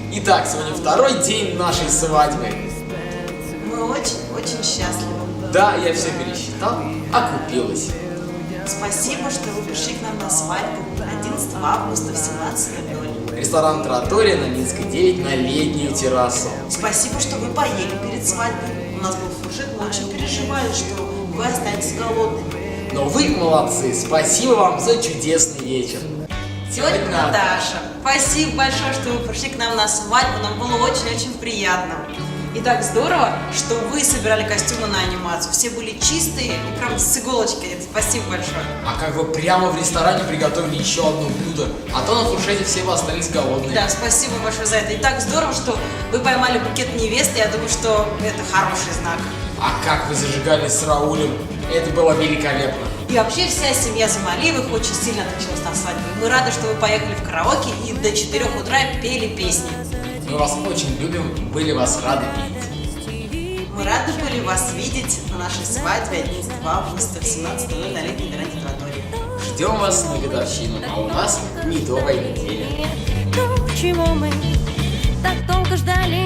Итак, сегодня второй день нашей свадьбы. Мы очень-очень счастливы. Да, я все пересчитал, окупилось. Спасибо, что вы пришли к нам на свадьбу 11 августа в 17:00. Ресторан «Тратория» на Минской 9 на летнюю террасу. Спасибо, что вы поели перед свадьбой. У нас был фуршет, мы очень переживали, что вы останетесь голодными. Но вы молодцы, спасибо вам за чудесный вечер. Тетя Наташа, спасибо большое, что вы пришли к нам на свадьбу, нам было очень-очень приятно. И так здорово, что вы собирали костюмы на анимацию. Все были чистые и прям с иголочки. Спасибо большое. А как вы прямо в ресторане приготовили еще одно блюдо, а то на фуршете все бы остались голодные. Да, спасибо большое за это. И так здорово, что вы поймали букет невесты. Я думаю, что это хороший знак. А как вы зажигались с Раулем, это было великолепно. И вообще вся семья Замалиевых очень сильно отличилась на свадьбе. Мы рады, что вы поехали в караоке и до 4 утра пели песни. Мы вас очень любим, были вас рады видеть. Мы рады были вас видеть на нашей свадьбе 11 августа в 17:00 на летней веранде Тратории. Ждем вас на годовщину, а у нас медовая неделя. То, чего мы так долго ждали.